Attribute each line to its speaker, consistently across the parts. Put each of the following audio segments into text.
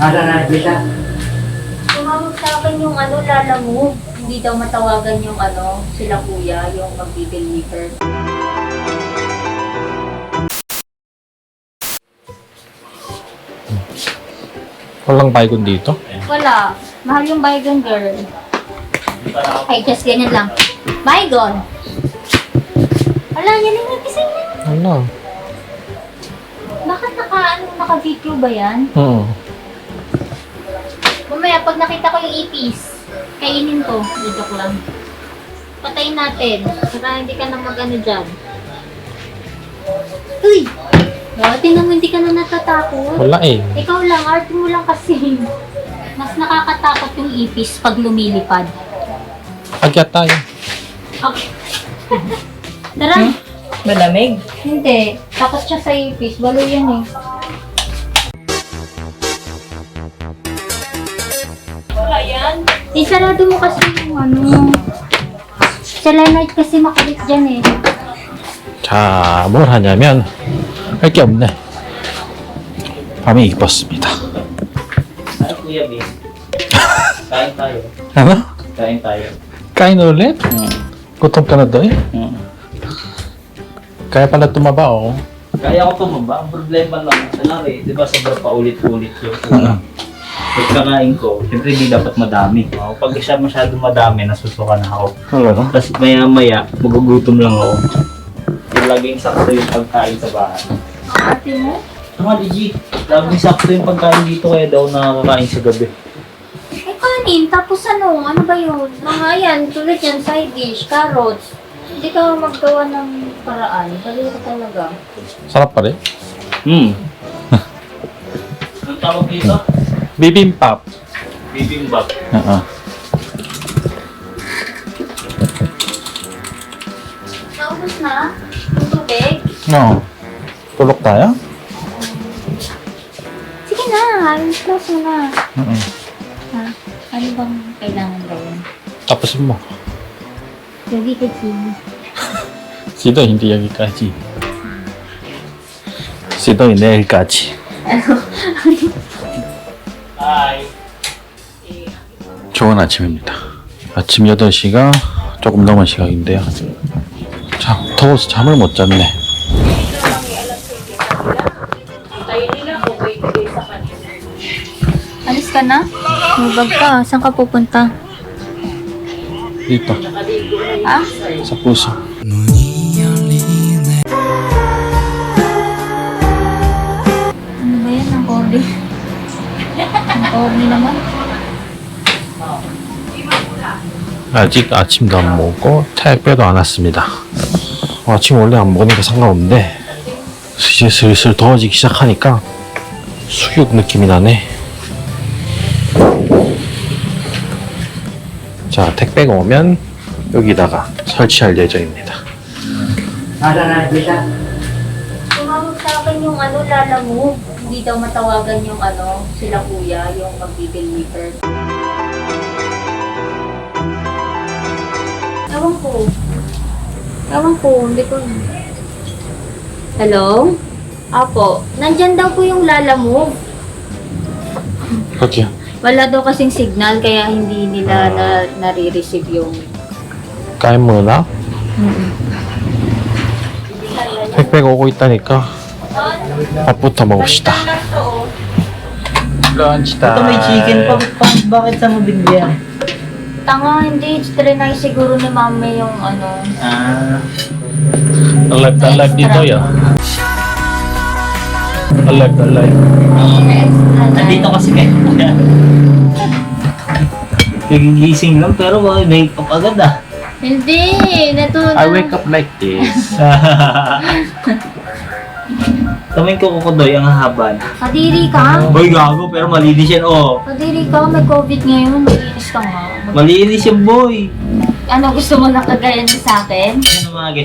Speaker 1: Tumawag sa akin yung Lala Move. Hindi daw matawagan yung sila kuya, yung mag-deliver.
Speaker 2: Walang baygon dito?
Speaker 1: Wala. Mahal yung Baygon, girl. Ay, just ganyan lang. Baygon! Wala, yan yung nagising na.
Speaker 2: Wala.
Speaker 1: Bakit naka-video ba yan?
Speaker 2: Oo.
Speaker 1: Mamaya, pag nakita ko yung ipis, kainin ko. Joke lang. Patayin natin. Para hindi ka na mag-ano dyan. Uy! Tingnan mo, hindi ka na natatakot.
Speaker 2: Wala eh.
Speaker 1: Ikaw lang, arte mo lang kasi. Mas nakakatakot yung ipis pag lumilipad.
Speaker 2: Agyat tayo.
Speaker 1: Okay. Tara.
Speaker 3: Malamig.
Speaker 1: Hindi. Takot siya sa ipis. Balo yan eh.
Speaker 3: Wala yan.
Speaker 1: Isarado mo kasi yung selenite kasi makulit dyan eh.
Speaker 2: 자, 뭘 하냐면 할 게 없네. 밤이 입었습니다.
Speaker 4: Ay, Kuya B. Kain tayo.
Speaker 2: ano?
Speaker 4: Kain tayo.
Speaker 2: Kain ulit? Gutom ka na doon eh? Kaya pala tumaba oh.
Speaker 4: Kaya ko tumaba. Ang problema lang. Sanari, di ba sobrang paulit-ulit yung pagkakain ko. Siyempre hindi dapat madami. Pag siya masyado madami, nasusuka na ako.
Speaker 2: Ano?
Speaker 4: Tapos maya-maya, magugutom lang ako. Yung laging sakto yung pagkain sa bahay.
Speaker 1: Ate mo?
Speaker 4: Tama, Gigi. Laging sakto yung pagkain dito kaya daw nakakakain sa gabi.
Speaker 1: Eh kanin, tapos ano ba yun? Mga yan, tulad yan, side dish, carrots. Hindi ka maggawa ng paraan. Dali ka talaga.
Speaker 2: sarap pa rin?
Speaker 4: Ang tawag dito?
Speaker 2: Bibimbap.
Speaker 4: Bibimbap.
Speaker 2: Oo.
Speaker 1: Naubos na? Yung tubig?
Speaker 2: No. Tulog tayo?
Speaker 1: Sige na, close mo na.
Speaker 2: Oo.
Speaker 1: Ha? Ano bang kailangan gawin?
Speaker 2: Tapusin mo.
Speaker 1: Lagi ka, Jimmy.
Speaker 2: Sido hindi 여기까지. Sido 내일까지.
Speaker 4: Hi.
Speaker 2: 좋은 아침입니다. 아침 8시가 조금 넘은 시각인데요. 참 더워서 잠을 못 잤네.
Speaker 3: Tayo nila o wait sa kanila.
Speaker 1: Alis ka na? Mabag ka. Saan ka pupunta?
Speaker 2: Dito.
Speaker 1: Ha?
Speaker 2: Sa puso.
Speaker 1: Ano ba yan? Ang corny. Ang corny naman.
Speaker 2: 아직 아침도 안 먹고 택배도 안 왔습니다. 아침 원래 안 먹으니까 상관없는데 이제 슬슬 더워지기 시작하니까 수육 느낌이 나네. 자, 택배가 오면 여기다가 설치할 예정입니다.
Speaker 1: Tumawag sa akin yung Lala Move. Hindi daw matawagan yung sila kuya, yung mag-deliver. Ewan ko, hindi ko. Hello? Apo, nandyan daw po yung Lala Move.
Speaker 2: 어디야?
Speaker 1: Wala daw kasing signal kaya hindi nila nare-receive yung...
Speaker 2: 까인 문화? 택배가 오고 있다니까 밥부터 먹읍시다. 런치다.
Speaker 4: Ito may chicken pa. Bakit sa mo binigyan?
Speaker 1: Tanga, hindi. Trinay siguro ni mami yung
Speaker 2: Alive dito ya. Alive.
Speaker 4: Nandito kasi kayo. Nagigising lang pero may makeup agad ah.
Speaker 1: Hindi,
Speaker 2: I wake up like this.
Speaker 4: Kaming kukudoy ang haban.
Speaker 1: Kadiri ka?
Speaker 4: Boy, gago pero malinis yan oh.
Speaker 1: Kadiri ka, may COVID ngayon. Malinis ka nga.
Speaker 4: Malinis yan boy.
Speaker 1: Ano, gusto mo nakagaya niya sa akin?
Speaker 4: Ano mga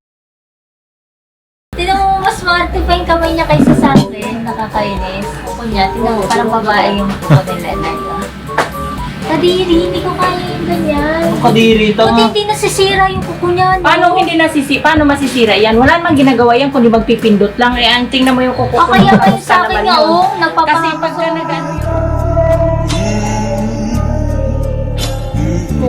Speaker 1: Tignan mo, mas smarte pa yung kamay niya kaysa sa akin. Nakakainis. Kunya, tignan mo, parang babae yung tuko nila. Kadiri, hindi ko kaya yung ganyan.
Speaker 4: kadiri ito
Speaker 1: Buti
Speaker 4: nga.
Speaker 1: hindi nasisira yung kuko niya. no?
Speaker 3: Paano masisira yan? Wala namang ginagawa yan kundi magpipindot lang. Eh, ang tingnan mo yung kuko.
Speaker 1: O kaya kayo
Speaker 3: Kamusta
Speaker 1: sa akin
Speaker 3: naman
Speaker 1: nga,
Speaker 3: yun?
Speaker 1: oh,
Speaker 3: Kasi
Speaker 1: nagpapahapos
Speaker 3: pagka nag-ano yun,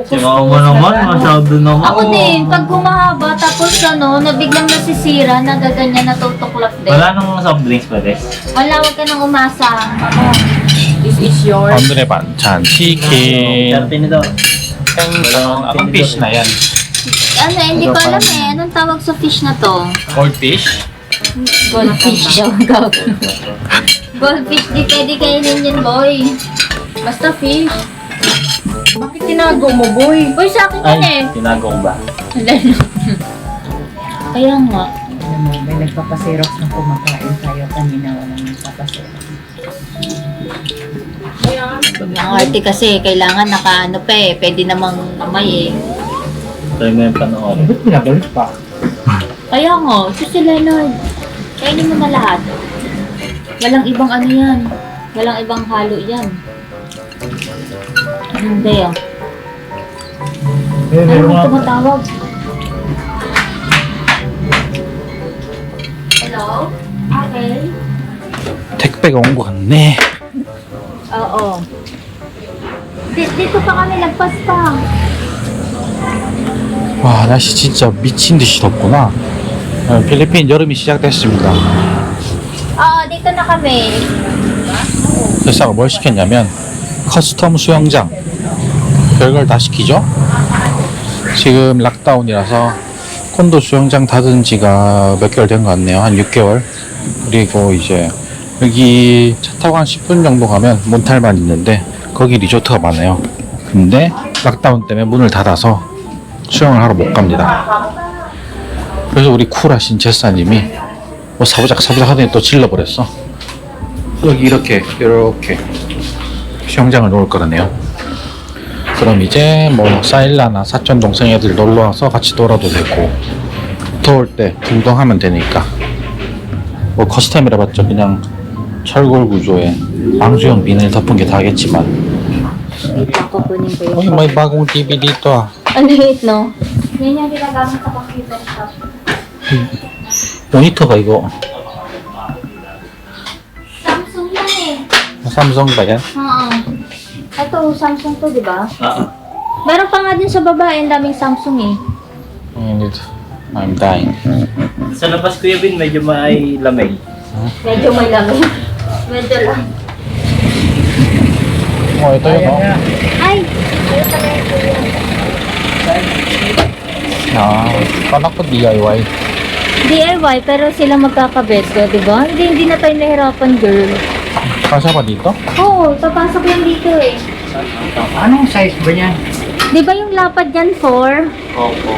Speaker 4: Tsaka mo naman, masyado naman.
Speaker 1: Ako din, pag humahaba, tapos na biglang nasisira, nagaganyan, natutuklap din.
Speaker 4: Wala nang soft drinks pa, Des.
Speaker 1: Wala, wag ka nang umasa.
Speaker 3: This is yours.
Speaker 2: 오늘의 반찬 치킨,
Speaker 4: 30 nito.
Speaker 2: 생선, anong fish na yan?
Speaker 1: Ano, hindi ko alam eh. Anong tawag sa fish na to?
Speaker 2: Goldfish?
Speaker 1: Goldfish daw. Goldfish, di pwede kainin yun, boy. Basta fish.
Speaker 3: Bakit tinago mo, boy?
Speaker 1: Boy, sa akin yun eh.
Speaker 4: Ay, tinago ko ba?
Speaker 1: Kaya nga.
Speaker 3: Alam mo, may nagpapaserox na kumakain tayo kanina. Walang nagpapaserox.
Speaker 1: Ang arte kasi, kailangan nakaano pa eh. Pwede namang kamay eh.
Speaker 4: Try mo yung panoorin.
Speaker 5: Ba't pinabalik pa?
Speaker 1: Kaya nga, ito si Leonard. Kainin mo na lahat. Walang ibang ano yan. Walang ibang halo yan. Hindi ah.
Speaker 5: Eh,
Speaker 1: Ano
Speaker 5: meron
Speaker 1: mo
Speaker 5: nga.
Speaker 1: tumatawag? Hello? Okay.
Speaker 2: 택배가 온 것 같네.
Speaker 1: Oo. Dito pa kami, lagpas pa.
Speaker 2: 와, 날씨 진짜 미친 듯이 덥구나. 필리핀 여름이 시작됐습니다.
Speaker 1: Oo, dito na kami.
Speaker 2: 회사가 뭘 시켰냐면 커스텀 수영장 별걸 다 시키죠. 지금 락다운이라서 콘도 수영장 닫은 지가 몇 개월 된 것 같네요. 한 6개월. 그리고 이제 여기 차 타고 한 10분 정도 가면 몬탈만 있는데 거기 리조트가 많아요. 근데 락다운 때문에 문을 닫아서 수영을 하러 못 갑니다. 그래서 우리 쿨하신 제사님이 뭐 사부작 하더니 또 질러버렸어. 여기 이렇게 수영장을 놓을 거라네요. 그럼 이제 뭐 사일라나 사촌 동생 애들 놀러 와서 같이 놀아도 되고 더울 때 운동하면 되니까 뭐 커스텀이라 봤죠. 그냥 철골 구조에 방수형 비닐 덮은 게 다겠지만
Speaker 1: Pakukunin ko
Speaker 2: 여기
Speaker 1: yung...
Speaker 2: may bagong TV dito ah.
Speaker 1: Ang liit, no? Yan yung ginagamit sa computer shop.
Speaker 2: 모니터가 이거
Speaker 1: Samsung yan eh.
Speaker 2: 삼성 ba yan?
Speaker 1: Oo. Ito, Samsung to, di ba?
Speaker 4: Oo.
Speaker 1: Meron pa nga din sa babae, ang daming Samsung eh.
Speaker 2: I'm dying.
Speaker 4: Sa labas, Kuya Bin, medyo may lamig.
Speaker 1: Medyo may lamig. Medyo lang.
Speaker 2: ito yun oh.
Speaker 1: Ay!
Speaker 2: Kala ko DIY.
Speaker 1: DIY, pero sila magkakabeso, di ba? Hindi na tayo nahirapan, girl.
Speaker 2: Kasya pa dito?
Speaker 1: Oo, papasok yan dito eh.
Speaker 5: Anong size ba niyan?
Speaker 1: Di ba yung lapad yan, 4?
Speaker 4: Opo.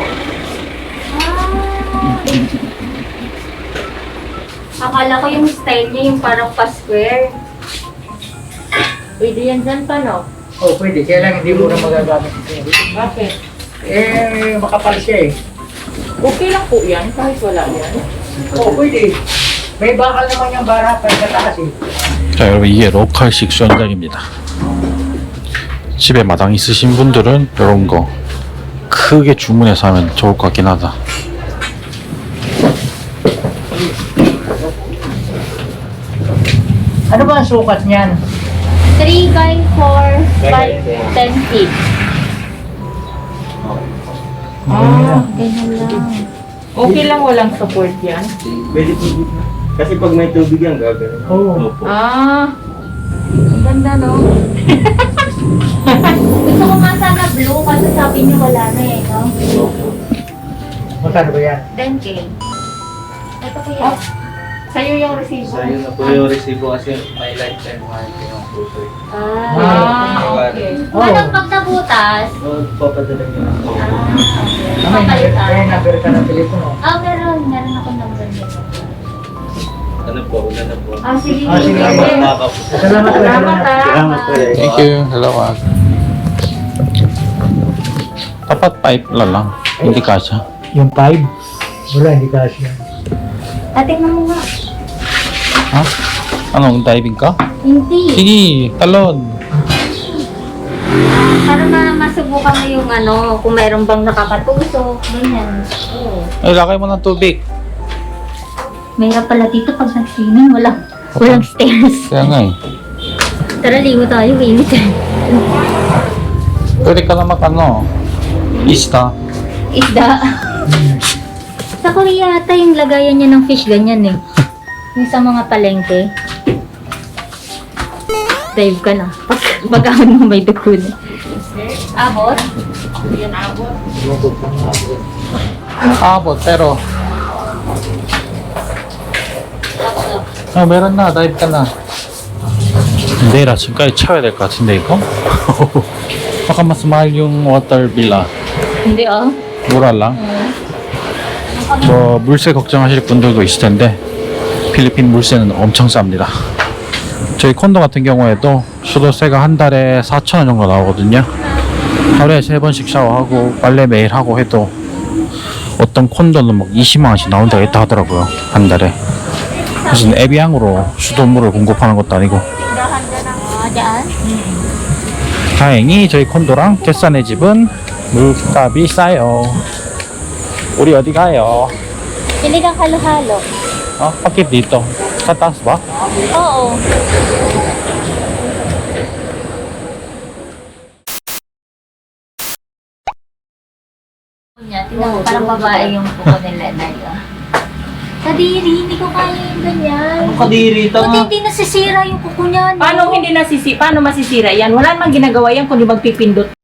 Speaker 1: Akala ko yung style niya yung parang pa-square. Pwede yan dyan pa, no?
Speaker 5: Oh, pwede. Kaya lang hindi mo na magagamit.
Speaker 3: Bakit?
Speaker 5: Eh, makapal siya eh.
Speaker 3: Okay lang po yan, kahit wala yan.
Speaker 5: Oh, pwede. May bakal naman yung bara pa sa taas eh.
Speaker 2: 자, 여러분 이게 로컬식 수영장입니다. 집에 마당 있으신 분들은 이런 거 크게 주문해서 하면 좋을 것 같긴 하다.
Speaker 5: Ano ba ang sukat niyan?
Speaker 1: 3 by 4 by 10 feet. Ganyan lang.
Speaker 3: Okay lang walang support yan.
Speaker 6: Pwede po dito. Kasi pag may tubig yan, gagawin.
Speaker 5: Oo.
Speaker 4: Opo.
Speaker 1: Ang ganda, no? Gusto ko nga sana blue kasi sabi niyo wala na eh, no?
Speaker 4: Opo.
Speaker 5: Magkano ba yan?
Speaker 1: 10K. Ito ko yan.
Speaker 3: Sa'yo yung resibo.
Speaker 6: So, yun na po yung resibo kasi may lifetime warranty yung puso.
Speaker 3: Okay.
Speaker 1: Walang pag nabutas.
Speaker 6: So, papadala niyo.
Speaker 5: May
Speaker 1: Papalitan.
Speaker 5: number ka ng telepono.
Speaker 1: Meron. Meron akong number nito.
Speaker 6: Ano po, una na po.
Speaker 1: Sige.
Speaker 5: Ah, sige.
Speaker 6: Salamat na po.
Speaker 5: Salamat po.
Speaker 3: Salamat
Speaker 4: Salamat po.
Speaker 2: Thank you. Hello. Dapat pipe lang. Hindi kasya.
Speaker 5: Yung 5? Wala, hindi kasi yan.
Speaker 1: Tingnan mo nga.
Speaker 2: Ha? Anong diving ka?
Speaker 1: Hindi.
Speaker 2: Sige, talon.
Speaker 1: Para masubukan mo yung ano, kung mayroon bang nakakatusok. Ganyan. Oo.
Speaker 2: Ay, lakay mo ng tubig.
Speaker 1: Mayroon pala dito pag nag-swimming. Walang stairs.
Speaker 2: Kaya nga eh.
Speaker 1: Tara, ligo tayo. Init eh.
Speaker 2: Pwede ka lang mag Isda.
Speaker 1: Isda. Sa Korea yata yung lagayan niya ng fish ganyan eh. Yung sa mga palengke. Dive ka na. Pag-ahon mo may dugo na. Abot?
Speaker 2: Abot, pero... meron na. Dive ka na. 내일 아침까지 채워야 될 것 같은데, 이거? baka mas mahal yung water bill, ah.
Speaker 1: Hindi ah.
Speaker 2: mura lang. 뭐 물세 걱정하실 분들도 있을 텐데 필리핀 물세는 엄청 쌉니다. 저희 콘도 같은 경우에도 수도세가 한 달에 4,000원 정도 나오거든요. 하루에 3번씩 샤워하고 빨래 매일 하고 해도 어떤 콘도는 막 20만 원씩 나온 데가 있다 하더라고요. 한 달에. 무슨 에비앙으로 수돗물을 공급하는 것도 아니고.
Speaker 1: Dyan?
Speaker 2: 다행히 저희 콘도랑 겟산의 집은 물값이 싸요. 우리 어디 가요?
Speaker 1: Pili kang halo-halo.
Speaker 2: Bakit dito? Sa taas ba?
Speaker 1: Oo. Tingnan mo, parang babae yung kuko nila na yun. Kadiri, hindi ko kaya yung ganyan.
Speaker 4: Anong kadiri?
Speaker 1: Buti
Speaker 4: Tama.
Speaker 1: hindi nasisira yung kuko niya. no?
Speaker 3: Paano masisira yan? Wala namang ginagawa yan kundi magpipindot